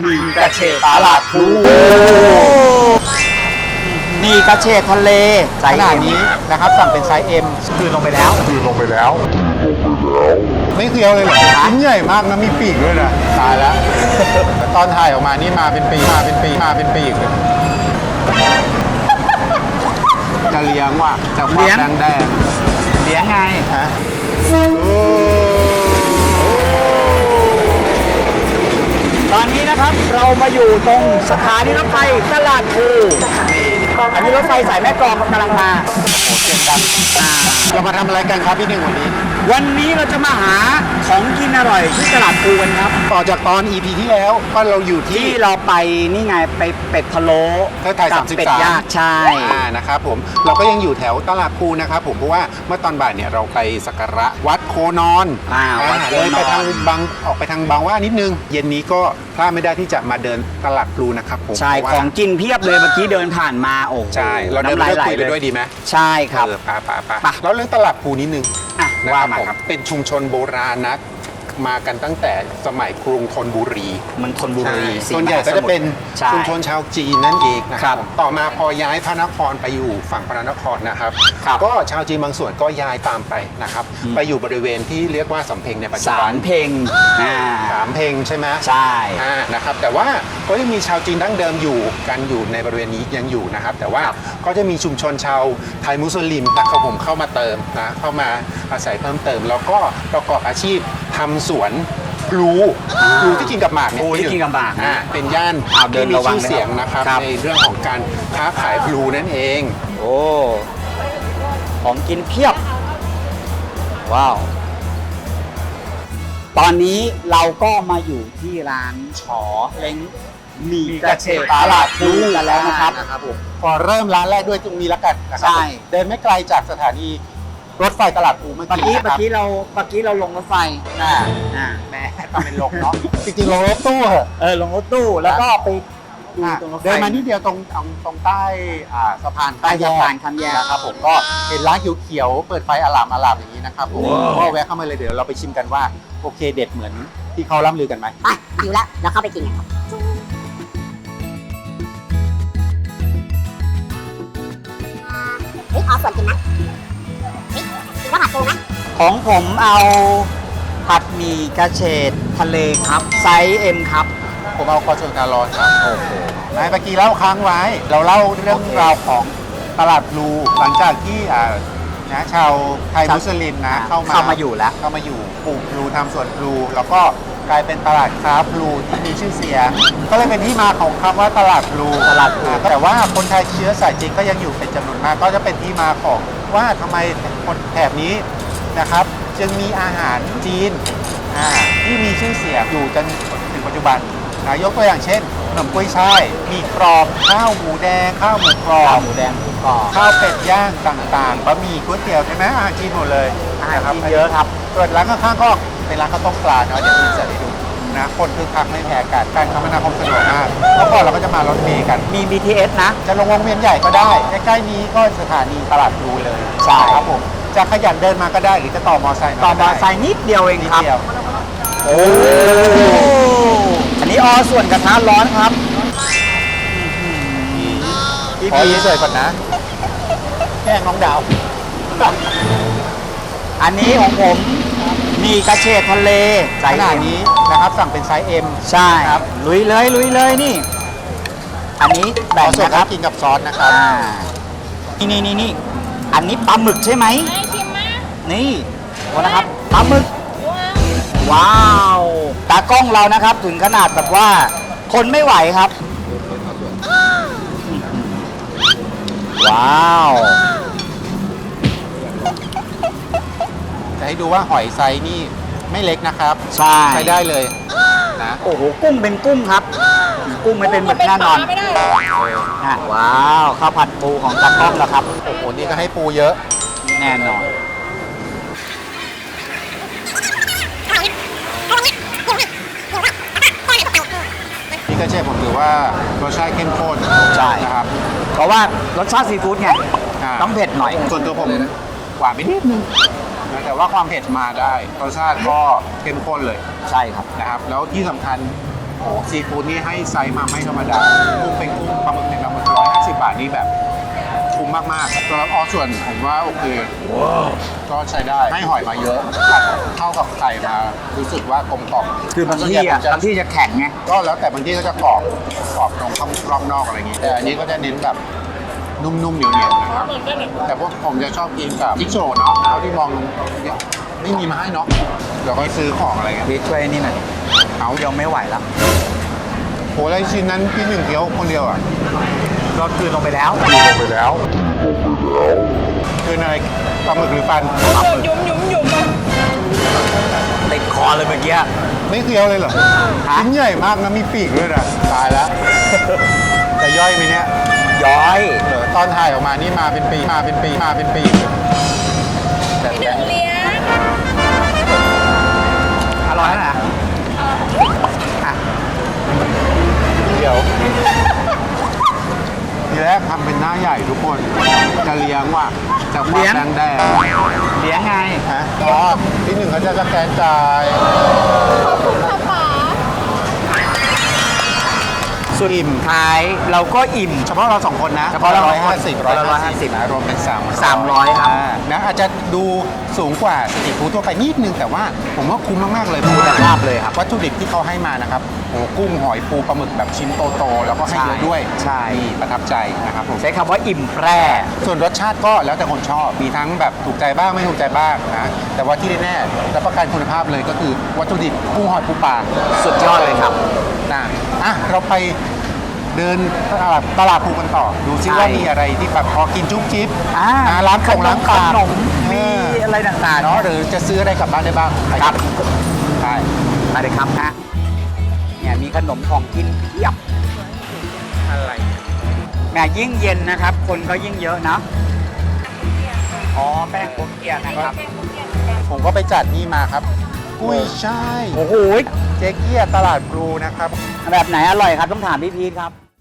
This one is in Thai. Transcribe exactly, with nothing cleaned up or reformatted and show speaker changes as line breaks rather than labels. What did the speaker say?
มีกระเฉดตลาดพลูมีกระเฉดทะเลไซส์ M นี้นะครับสั่งเป็นไซส์ M คือลงไปแล้วคือลงไปแล้วไม่เคี้ยวเลยเหรอชิ้นใหญ่มากนะมีปีกด้วยนะตายแล้วตอนถ่ายออกมานี่มาเป็นปีมาเป็นปีมาเป็นปีกเลยจะเลี้ยงว่ะจะความแดงแดงเลี้ยงไงฮะตอนนี้นะครับเรามาอยู่ตรงสถานีรถไฟตลาดพลูอันนี้รถไฟสายแม่กลองกำลังมาโอ้เสียงดังเรามาทำอะไรกันครับพี่หนึ่งวันนี้วันนี้เราจะมาหาของกินอร่อยที่ตลาดพลูกันครับต่อจากตอน อี พี ที่แล้วก็เราอยู่ที่เราไปนี่ไงไปเป็ดพะโล้กับเป็ดย่างใช่นะครับผมเราก็ยังอยู่แถวตลาดพลูนะครับผมเพราะว่าเมื่อตอนบ่ายเนี่ยเราไปสักการะวัดโคนอนเลยไปทางบางออกไปทางบางว่านิดนึงเย็นนี้ก็พลาดไม่ได้ที่จะมาเดินตลาดพลูนะครับผมใช่ของกินเพียบเลยเมื่อกี้เดินผ่านมาโอ้ใช่เราเดินไปคุยไปด้วยดีไหมใช่ครับป่าป่าป่าแล้วเรื่องตลาดพลูนิดนึงว่ามาครับเป็นชุมชนโบราณนะมากันตั้งแต่สมัยกรุงธนบุรีเมืองธนบุรีส่วนใหญ่ก็จะเป็นชุมชนชาวจีนนั่นเองนะครับต่อมาพอย้ายพระนครไปอยู่ฝั่งพระนครนะครับก็ชาวจีนบางส่วนก็ย้ายตามไปนะครับไปอยู่บริเวณที่เรียกว่าสำเพ็งในปัจจุบันสามเพ็งสามเพ็งใช่ไหมใช่นะครับแต่ว่าก็ยังมีชาวจีนดั้งเดิมอยู่กันอยู่ในบริเวณนี้ยังอยู่นะครับแต่ว่าก็จะมีชุมชนชาวไทยมุสลิมนะครับผมเข้ามาเติมนะเข้ามาอาศัยเพิ่มเติมแล้วก็ประกอบอาชีพทำสวนพลูพลูที่กินกับหมากเนี่ยพลูที่กินกับหมากเป็นย่านที่มีชื่อเสียงนะครับในเรื่องของการค้าขายพลูนั่นเองโอ้ของกินเพียบว้าวตอนนี้เราก็มาอยู่ที่ร้านฉอเล้งมีกระเฉดตลาดพลูกันแล้วนะครับผมพอเริ่มร้านแรกด้วยตรงนี้แล้วกันนะครับใช่เดินไม่ไกลจากสถานีรถไฟตลาดพลูเมื่อกี้เมื่อกี้เราเมื่อกี้เราลงรถไฟอ่าอ่าแม่ทำเป็นลงเนาะจริงๆลงรถตู้เหรอเออลงรถตู้แล้วก็ไปดูตรงรถไฟเดินมานิดเดียวตรงตรงใต้สะพานใต้สะพานข้ามแยกนะครับผมก็เห็นร้านเขียวๆเปิดไฟอลามอลามอย่างนี้นะครับผมก็แวะเข้ามาเลยเดี๋ยวเราไปชิมกันว่าโอเคเด็ดเหมือนที่เขาล่ำลือกันไหมไปหิวแล้วเราเข้าไปกินกันครับเฮ้ยขอส่วนกินนะว่าผัดปูไหมของผมเอาผัดหมี่กระเฉดทะเลครับไซส์ M ครับผมเอาคอชนการอนครับโอ้โหนายเมื่อกี้เล่าค้างไว้เราเล่าเรื่องราวของตลาดพลูหลังจากที่อ่านะชาวไทยมุสลิมนะเข้ามาเข้ามาอยู่แล้วเข้ามาอยู่ปลูกพลูทำสวนพลูแล้วก็กลายเป็นตลาดค้าพลูที่มีชื่อเสียงก็เลยเป็นที่มาของคำว่าตลาดพลูตลาดพลูแต่ว่าคนไทยเชื้อสายจีนก็ยังอยู่เป็นจำนวนมากก็จะเป็นที่มาของว่าทำไมคนแถบนี้นะครับจึงมีอาหารจีนที่มีชื่อเสียงอยู่จนถึงปัจจุบันนะยกตัวอย่างเช่นขนมกุ้ยช่ายมีกรอบข้าวหมูแดงข้าวหมูกรอบข้าวหมูแดงหมูกรอบข้าวเป็ดย่างต่างๆบะหมี่ก๋วยเตี๋ยวใช่ไหมอาหารจีนหมดเลยอาหารจีนเยอะครับส่วนร้านข้างๆก็เป็นร้านข้าวต้มปลาเนาะเดี๋ยวคุณจะได้ดูนะคนคือคักไม่แพ้กันการคมนาคมสะดวกมากเมื่อก่อนเราก็จะมารถเมล์กันมี บี ที เอส นะจะลงวงเวียนใหญ่ก็ได้ใกล้ๆนี้ก็สถานีตลาดพลูเลยใช่ครับผมจะขยันเดินมาก็ได้หรือจะต่อมอไซค์ต่อมอไซค์นิดเดียวเองครับโอ้อันนี้ออส่วนกระทะร้อนครับพี่พีเฉยก่อนนะแกล้งน้องดาวอันนี้ของผมมีกระเฉดทะเลไซส์นี้นะครับสั่งเป็นไซส์ M ใช่ครับลุยเลยลุยเลยนี่อันนี้แบ่งนะครับกินกับซอสนะครับนี่นี่นี่นี่อันนี้ปลาหมึกใช่ไหมนี่โอ้นะครับปลาหมึกว้าวตากล้องเรานะครับถึงขนาดแบบว่าคนไม่ไหวครับว้าวจะให้ดูว่าหอยไซนี่ไม่เล็กนะครับใช่ใช้ได้เลยนะโอ้โหกุ้งเป็นกุ้งครับกุ้งไม่เป็นหมึกแน่นอนว้าวข้าวผัดปูของตากล้องแล้วครับโอ้โหนี่ก็ให้ปูเยอะแน่นอนนี่กระเฉดผมถือว่ารสชาติเข้มข้นใช่นะครับเพราะว่ารสชาติซีฟู้ดไงต้องเผ็ดหน่อยส่วนตัวผมหวานไปนิดนึงแต่ว่าความเผ็ดมาได้รสชาติก็เข้มข้นเลยใช่ครับนะครับแล้วที่สำคัญ
โอ้ซีฟู้ดนี่ให้ไซส์มาไม่ธรรมดากุ้งเป็นกุ้งปลาหมึกเป็นปลาหมึกร้อยห้าสิบบาทนี่แบบคุ้มมากๆแล้วออส่วนผมว่าโอเคก็ใช้ได้ให้หอยมาเยอะผัดเข้ากับไข่มารู้สึกว่ากลมกล่อม
คือบาง
ส่วน
ที่
ใหญ่
อ่ะ
ผมจะ
บางที่จะแข็งไง
ก็แล้วแต่บางที่ก็จะกรอบกรอบตรงข้างรอบนอกอะไรอย่างงี้แต่อันนี้ก็จะเน้นแบบนุ่มๆเหนียวๆนะครับแต่พวกผมจะชอบกินกับจิ๊กโจ้เนาะเท่าที่มองเนี่ยไม่มีมาให้เนาะเดี๋ยวก็ซื้อของอะไรเงี้ย
พี่ช่วยนี่หน่อย
เอา
เดี๋ยวไม่ไหวแล้ว
โหอะไรชิ้นนั้นพี่หนึ่งเคี้ยวคนเดียวอ่ะ
ก็คืนลงไปแล้ว
ลงไปแล้วคืออะไรปลาหมึกหรือฟัน
ยุ่มยุ่มยุ่มอ่ะ
ติดคอเลยเมื่อกี้
ไม่เคี้ยวเลยเหรอ
ฮะ
ชิ้นใหญ่มากนะมีปีกด้วยนะตายแล้ว จะย่อยไหมเนี่ย
ย้อย
เดี๋ยวตอนถ่ายออกมานี่มาเป็นปีมาเป็นปีมาเป็นปีแต่
พี่หนึ่งเลี้ยง
อร่อยนะอ่ะ
เดี๋ยวทีแรกทำเป็นหน้าใหญ่ทุกคนจะเลี้ยงว่ะจะความแดงแดง
เลี้ยงไง
ฮะอ๋อที่หนึ่งเขาจะสแกนจ่าย
ขอบคุณค่ะป๋า
สุดอิ่มท้ายเราก็อิ่ม
เฉพาะเราสองคนนะ
เฉพาะเรา
ร้อยห้าสิบ
เฉพาะเราร้อยห้าสิบ
นะรวมเป็นสาม
สามร้อยครับ
นะอาจจะดูสูงกว่าสตรีทฟู้ดทั่วไปนิดนึงแต่ว่าผมว่าคุ้มมาก ๆ เลย
คุณภาพเลยครับ
วัตถุดิบที่เขาให้มานะครับโอ้กุ้งหอยปูปลาหมึกแบบชิ้นโต ๆ แล้วก็ให้เยอะด้วย
ใช่
นี่ประทับใจนะครับผม
ใช้คำว่าอิ่มแปร่
ส่วนรสชาติก็แล้วแต่คนชอบมีทั้งแบบถูกใจบ้างไม่ถูกใจบ้างนะแต่ว่าที่แน่ๆรับประกันคุณภาพเลยก็คือวัตถุดิบกุ้งหอยปูปลา
สุดยอดเลยครับ
นะอ่ะเราไปเดินตลาดตลาดภูกันต่อ ดูซิ
ใช่
ว่ามีอะไรที่แบบพอกินจุ๊บจิ๊บ
อ่า
อ่าร้านของร้าน
ข
ปาก
นม
เอ
มี
อ
อะไรต่างๆ
เนาะ
เนาะ
หรือจะซื้ออะไรกลับบ้านได้บ้าง
ครับ
ใช่
มาเลยครับนะเนี่ยมีขนมของกินเพียบ
อะไร
แหมยิ่งเย็นนะครับ คนก็ยิ่งเยอะนะอ๋อแป้งโกเกียนะครับ
ผมก็ไปจัดนี่มาครับ กุ้ยช่าย
โอ้โห
เจ๊เกียตลาดพลูนะครับ
แบบไหนอร่อยครับต้องถามพี่พีทครับ